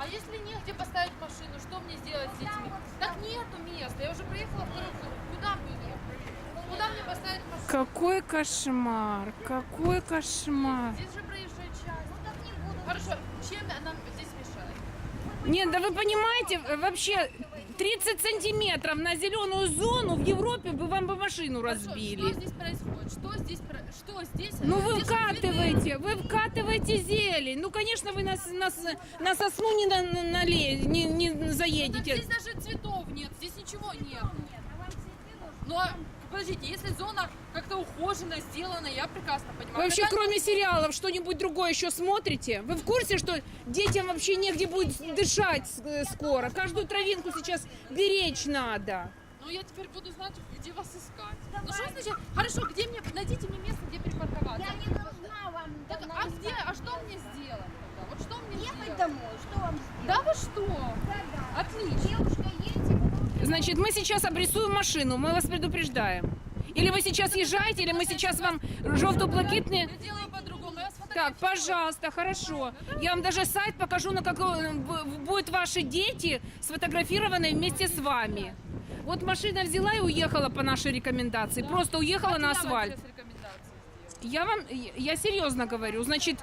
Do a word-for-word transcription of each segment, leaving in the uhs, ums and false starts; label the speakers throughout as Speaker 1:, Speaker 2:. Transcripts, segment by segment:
Speaker 1: А если негде поставить машину, что мне сделать с детьми? Так нету места, я уже проехала второй круг. Куда мне? Куда мне поставить машину?
Speaker 2: Какой кошмар, какой кошмар.
Speaker 1: Здесь же проезжая часть. Ну так не буду. Хорошо, чем нам здесь мешает?
Speaker 2: Нет, да вы понимаете, вообще тридцать сантиметров на зеленую зону в Европе бы вам бы машину
Speaker 1: Хорошо,
Speaker 2: разбили.
Speaker 1: что здесь происходит? Что здесь, про- что здесь?
Speaker 2: Ну вы
Speaker 1: Здесь же
Speaker 2: вкатываете, вы вкатываете зелень. Ну, конечно, вы нас, нас на сосну не, на, на, нале- не, не
Speaker 1: Ну, так
Speaker 2: заедете.
Speaker 1: здесь даже цветов нет, здесь ничего нет. Но, подождите, если зона как-то ухожена, сделана, я прекрасно понимаю.
Speaker 2: Вы вообще,
Speaker 1: Когда-
Speaker 2: кроме сериалов, что-нибудь другое еще смотрите? Вы в курсе, что детям вообще негде будет дышать э, скоро? Каждую травинку сейчас беречь надо.
Speaker 1: Ну, я теперь буду знать, где вас искать. Ну, что значит? Хорошо, где мне, найдите мне место, где припарковаться.
Speaker 3: Я не должна вам
Speaker 1: Так,
Speaker 3: давно
Speaker 1: а
Speaker 3: искать.
Speaker 1: где, а что мне сделать тогда? Вот что мне
Speaker 3: Ехать
Speaker 1: сделать?
Speaker 3: домой, что вам сделать?
Speaker 1: Да вы что?
Speaker 3: Да-да.
Speaker 1: Отлично.
Speaker 3: Девушка, едьте, потом...
Speaker 2: Значит, мы сейчас обрисуем машину, мы вас предупреждаем. Или вы сейчас езжаете, или мы сейчас вам желто-блакитные...
Speaker 1: Я делаю по-другому, я
Speaker 2: Так,
Speaker 1: сфотографирую.
Speaker 2: пожалуйста, хорошо. Я вам даже сайт покажу, на какой будут ваши дети сфотографированы вместе с вами. Вот машина взяла и уехала по нашей рекомендации.
Speaker 1: Да.
Speaker 2: Просто уехала
Speaker 1: Давайте
Speaker 2: на
Speaker 1: я вам
Speaker 2: асфальт.
Speaker 1: сейчас рекомендации сделаю.
Speaker 2: Я вам, я серьезно говорю. Значит,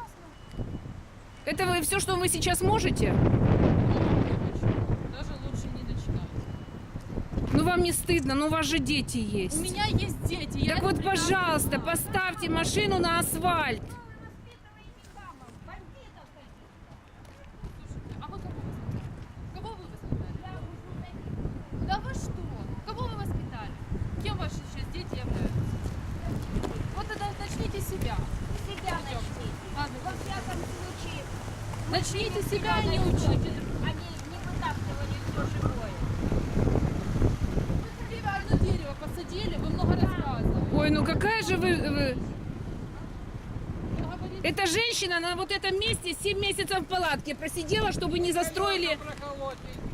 Speaker 2: это вы все, что вы сейчас можете?
Speaker 1: Даже лучше не начинать.
Speaker 2: Ну вам не стыдно, ну у вас же дети
Speaker 1: У
Speaker 2: есть.
Speaker 1: меня есть дети. Я
Speaker 2: Так
Speaker 1: это
Speaker 2: вот,
Speaker 1: прекрасно
Speaker 2: пожалуйста,
Speaker 1: знаю.
Speaker 2: поставьте машину на асфальт.
Speaker 1: А вы кого воспитали? Кого вы воспитали? Да вы что? Кого вы воспитали? Кем ваши сейчас дети являются? Вот тогда начните себя.
Speaker 3: Себя начните.
Speaker 1: Ладно,
Speaker 3: Во всяком случае,
Speaker 1: начните себя и не учите.
Speaker 3: они не вытаптывали все живое.
Speaker 1: Вы себе одно дерево посадили, вы много рассказывали.
Speaker 2: Ой, ну какая же вы... вы-
Speaker 1: Вы говорите,
Speaker 2: Эта женщина на вот этом месте семь месяцев в палатке просидела, чтобы не застроили...
Speaker 4: Проколоть.